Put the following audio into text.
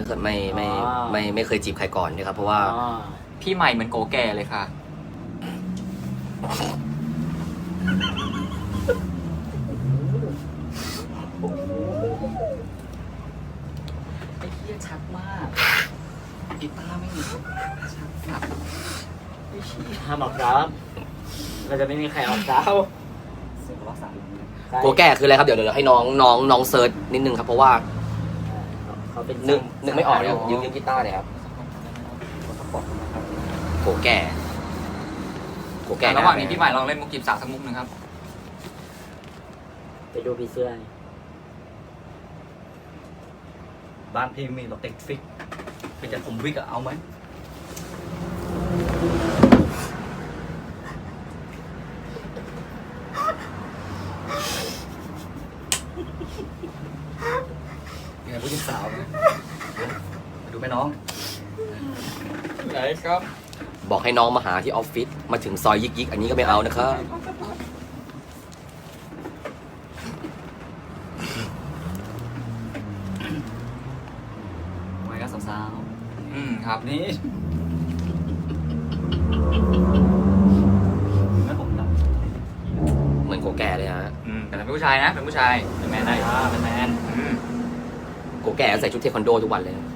เคยไม่เคยจีบใครก่อนนะครับเพราะว่าพี่ใหม่เหมือนโกแก่เลยค่ะไอ้เหี้ยชัดมากกีตาร์ไม่มีชัดแบบไอ้เหี้ยห้ามออกครับ เราจะไม่มีใครออกเช้าเสียงรักษาลมเนี่ยโกแก่คืออะไรครับเดี๋ยวให้น้องเซิร์ชนิดนึงครับเพราะว่าเขาเป็นนึกไม่ออกเลยยืมกีตาร์เลยครับโกแก่ระหว่างนี้พี่ใหม่ลองเล่นมุกจีบสาวสักมุกหนึ่งครับไปดูพี่เสื้อบ้านพี่มีรถติดฟิกเป็นแต่ผมวิกอะเอาไหมยังไงผู้หญิงสาวนะมาดูไหมน้องไหนครับบอกให้น้องมาหาที่ออฟฟิศมาถึงซอยยิกอันนี้ก็ไม่เอานะครับไว้ก็สาวครับๆนี่งั้นผมดับเหมือนโกแก่เลยฮะแต่เป็นผู้ชายนะเป็นผู้ชายเป็นแมนได้เป็นแมนโกแก่ใส่ชุดเทควันโดทุกวันเลย